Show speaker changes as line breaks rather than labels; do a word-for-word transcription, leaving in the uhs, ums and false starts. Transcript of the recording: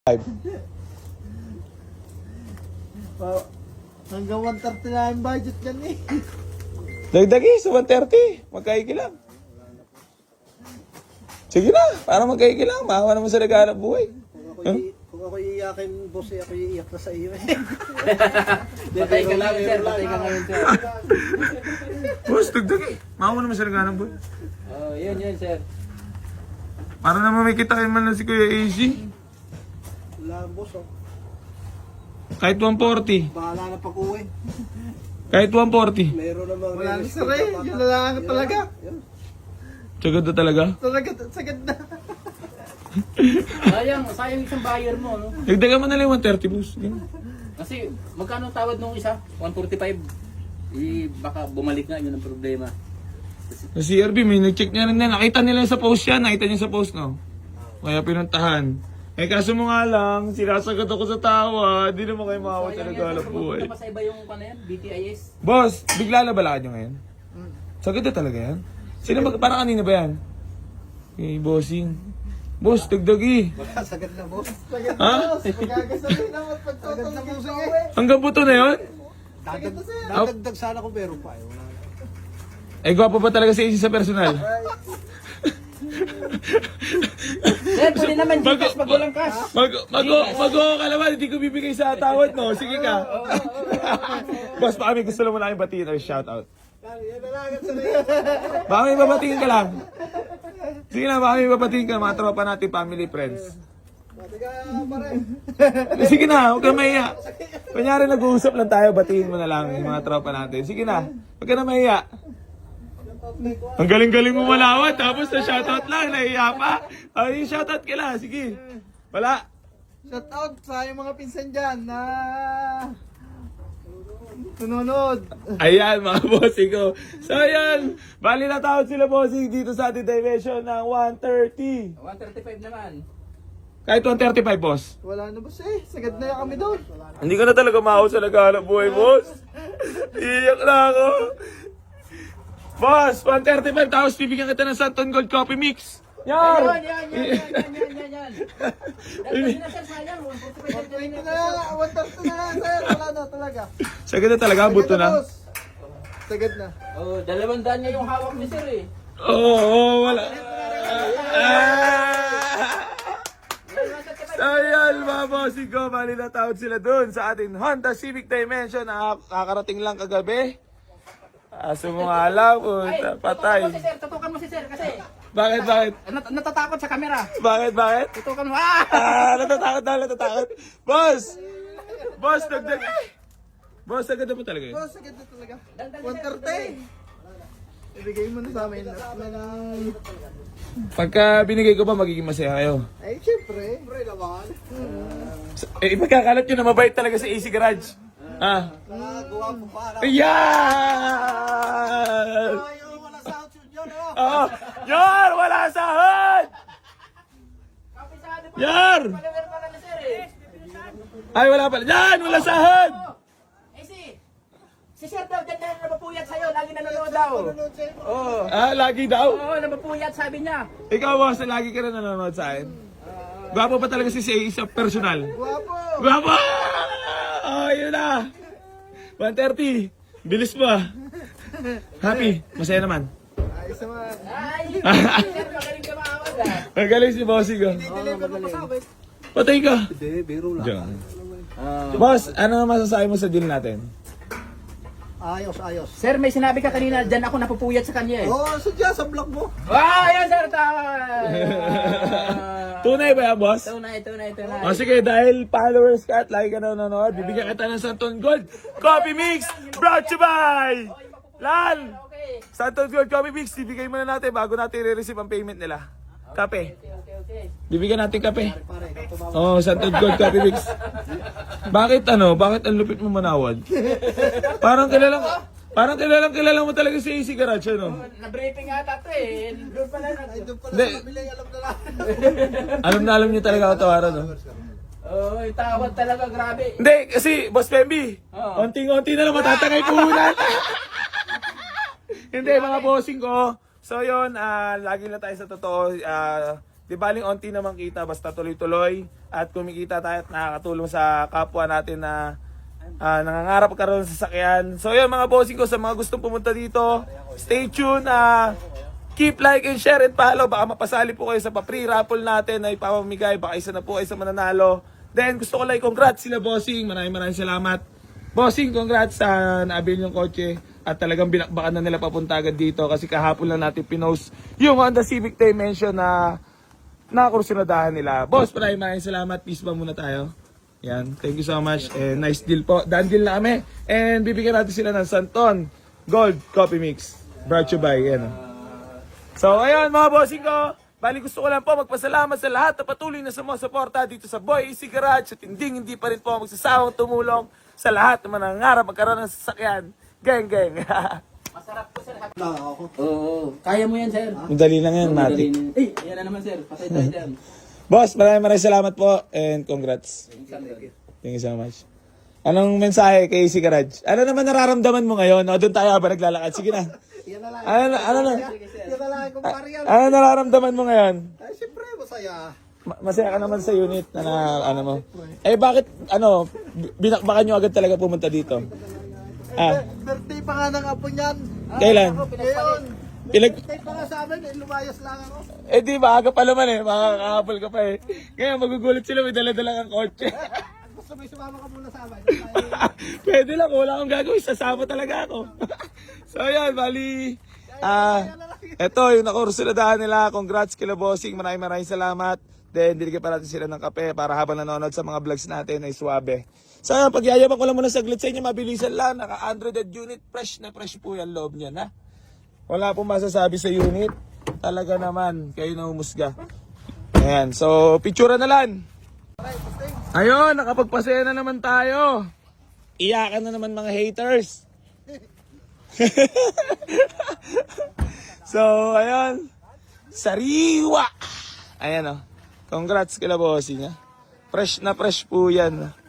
Pa- Hanggang one thirty na yung budget yan eh.
Dagdagi sa one thirty. Magkaigi lang. Sige na, para magkaigi lang. Maawa naman sa naghahanap buhay.
Kung ako,
Huh?
i- kung ako iiyakin, boss, eh, ako iiyak na sa iyo eh.
Patay ka lang, sir. Patay ka ngayon, sir.
Boss, dagdagi. Maawa naman sa naghahanap buhay.
Oh, yun, yun, sir.
Para naman may kita kayo man lang si Kuya A C.
Wala, boss, oh.
Kahit one forty.
Bahala na pag-uwi.
Kahit one forty.
Mayroon namang
Wala na
release
sir eh.
na
Yun
bata.
na lang talaga.
Yun.
Tsagad na talaga.
Talaga, sagad na.
Sayang, sayang isang buyer mo, no?
Dagdagan mo na lang yung one thirty, boss. Ganun.
Kasi, magkano ang tawad nung isa? one forty-five. Eh, baka bumalik nga, yun ang problema.
Sa C R B, may nag-check niya rin na. Nakita nila sa post yan. Nakita niya sa post, no? Kaya pinuntahan. Eh, kaso mo nga lang, sinasagot ako sa tawa. Di naman kayo makawat sa naghahanap buhay.
Punta pa sa iba yung ano yan, B T I S.
Boss, bigla na balakad nyo ngayon? Sagad na talaga yan? Sino ba, parang kanina ba yan? Eh, bossing. Boss, dagdagi.
Wala, sagad na, boss.
Sagad
Ha?
na boss. Magagasabi naman pagtotong ng puso eh.
Hanggang buto na yun?
Dadag, dadagdag sana kung meron pa eh. Wala na.
Eh, gwapo ba talaga si A C sa personal?
Sir, pwede naman
Mag-
Gcash pag walang cash.
Mag, mag, mag, ka naman, hindi ko bibigay sa tawad mo. Sige ka. Boss, baka may gusto lang mo na kayong batiin or shout out.
Yan na lang, yan sa
Baka may babatiin ka lang. Sige na, baka may babatiin ka, mga tropa natin, family, friends.
Tiga pa rin.
Sige na, huwag ka mahiya. Kunyari nag-uusap lang tayo, batiin mo na lang yung mga tropa natin. Sige na, huwag ka na mahiya. Ang galing-galing mo malawat, tapos na shoutout lang, nahiya pa. Ay, shoutout ka lang, sige. Wala.
Shout out sa yung mga pinsan dyan na nanonood.
Ayan, mga bossing ko. So, ayan. Bali na tawad sila bossing dito sa ating dimension ng one thirty.
one thirty-five naman.
Kahit one thirty-five, boss.
Wala na boss eh. Sagad na kami doon.
Hindi ko na talaga maaw sa naghahanap buhay, boss. Iyak na ako. Boss, one thirty-five, tapos bibigyan kita ng Santon Gold Coffee Mix. Yan!
Yan, yan, yan, yan, yan, yan, yan, yan. Dahil na, sir, sayang. one forty-five
Thank
yan,
you
yan,
na lang. One thirty na lang sir. Wala na talaga.
Sagad na talaga, buto na.
boss. Sagad na.
Oh, dalawang daan niya yung hawak ni sir eh.
Oo, oh, wala. Ah! So yan, mga bossing ko, bali na tawad sila dun sa ating Honda Civic Dimension na kakarating lang kagabi. Aso mo nga lang, puta, patay.
Tutukan mo si sir, tutukan mo si sir kasi
Bakit, bakit?
nat natatakot sa camera.
Bakit, bakit?
Tutukan mo. Ah!
Ah, natatakot na, natatakot. Boss! Boss, dagdag. Boss, agad na po talaga yun.
Boss, sagad na talaga. one thirty. Ibigay mo na sa amin.
Pagka binigay ko ba, magiging masaya kayo?
Ay, syempre.
Siyempre naman.
Eh, ipagkakalat nyo na mabait talaga sa A C Garage. Ah.
Nakagawa mo pa.
Ayan!
Ayaw, wala sa outfit yun, oh.
Oo! Yar! Wala sahod!
Kapisado pa.
Yar!
Follower pala ni sir eh.
Ay, wala pala. Yan! Wala sahod!
Eh si, si sir daw, dyan na napapuyat sa'yo, lagi nanonood daw. Oo.
Ah, lagi daw?
Oo, napapuyat sabi niya.
Ikaw, boss, lagi ka na nanonood sa akin. Gwapo pa talaga si Say sa personal.
Guwapo.
Gwapo! Oh, yun na. one thirty. Bilis mo ah. Happy. Masaya naman.
Ayos naman.
Ay, sir, magaling ka maawag ah.
Magaling si bossing ko.
Deliver mo pasabit.
Patay ka.
Hindi, biro lang.
Diyan. Boss, ano masasabi mo sa deal natin?
Ayos, ayos.
Sir, may sinabi ka kanina, dyan ako napupuyat sa kanya eh.
Oo, oh, sadya sa vlog mo.
Ah, yan sir, tama.
Tunay ba yan, boss?
Tunay, tunay, tunay.
O sige, dahil followers ka at lagi ka na nanonood, bibigyan kita ng Santon Gold Coffee Mix brought to you by Lal!
Okay,
Santon Gold Coffee Mix, bibigay muna natin bago natin i-receive ang payment nila. Kape.
okay, okay, okay.
Bibigyan natin kape.
Pare, kapumama.
Oh, Santon Gold Coffee Mix. Bakit ano? Bakit ang lupit mo manawad? Parang kilalang parang kilalang kilala mo talaga si A C Garage, ano?
Na-briefing ata to eh. Doon pala na.
Ay, doon pala
Hindi.
sa kabila, alam na lang.
Alam na alam niyo talaga ako tawaran, no?
Oh, yung tawad talaga, grabe.
Hindi, kasi, Boss Pemby,
Oo.
onting-onti na lang matatangay puhunan. Hindi, mga bossing ko. So, yun, ah, lagi lang tayo sa totoo. ah, Di baling onti naman kita, basta tuloy-tuloy at kumikita tayo at nakakatulong sa kapwa natin na ah, nangangarap karoon sa sasakyan. So yun mga bossing ko, sa mga gustong pumunta dito, stay tuned. ah keep like and share and follow. Baka mapasali po kayo sa pa-free raffle natin na ipapamigay. Baka isa na po kayo sa mananalo. Then gusto ko lang i-congrats sila bossing. Maraming maraming salamat. Bossing, congrats sa naabil yung kotse. At talagang binakbakan na nila papunta agad dito. Kasi kahapon lang natin pinost yung Honda Civic Dimension na nakakursunadahan nila. Boss, maraming maraming salamat. Peace ba muna tayo? Yan, thank you so much. And nice deal po. Done deal na kami. And bibigyan natin sila ng Santon Gold Coffee Mix. Brought to you by, yan. So, ayun mga bossing ko. Bali gusto ko lang po magpasalamat sa lahat na patuloy na sumusuporta dito sa Boy Easy Garage. At hindi hindi pa rin po magsasawang tumulong sa lahat na manangarap magkaroon ng sasakyan. Gang, gang.
Masarap po sir.
Na ako.
Oo, kaya mo yan sir.
Madali lang yan, Mati.
Eh, yan na naman sir. Patay tayo dyan.
Boss, maraming maraming salamat po and congrats. Thank you so much. Anong mensahe kay Easy Garage? Ano naman nararamdaman mo ngayon? O, doon tayo habang naglalakad. Sige na.
Yan na lang.
Ano, ano, ano,
Yan na lang kung pariyan.
ano nararamdaman mo ngayon?
Ay, siyempre, masaya.
Ma- Masaya ka naman sa unit na, na ano mo. Eh bakit ano bi- binakbakan nyo agad talaga pumunta dito? Ah,
Birthday pa nga ng apo niyan.
kailan?
Ngayon.
Pinag
Birthday pa nga sa amin, eh, lumayas lang ako.
Eh di ba aga pa naman eh, makakahapol ka pa eh. Ngayon magugulat sila, may dala-dala kang kotse.
Gusto mo sumama ka muna sa amin.
Pwede lang, wala akong gagawin, sasama talaga ako. So yan, bali. Ah, eto yung nakursuladahan nila. Congrats kila bossing, maraming maraming salamat. Then, diligyan pa natin sila ng kape para habang nanonood sa mga vlogs natin ay suwabe. So, pagyayabang ko lang muna saglit sa inyo, mabilisan lang. Naka one hundred unit, fresh na fresh po yung loob niya, na. Wala pong masasabi sa unit. Talaga naman, kayo na humusga. Ayan, so, picture na lang. Ayun, nakapagpasaya na naman tayo. Iyakan na naman mga haters. So, ayun. Sariwa! Ayan o. Oh. Congrats kila bossing ha. Fresh na fresh po yan.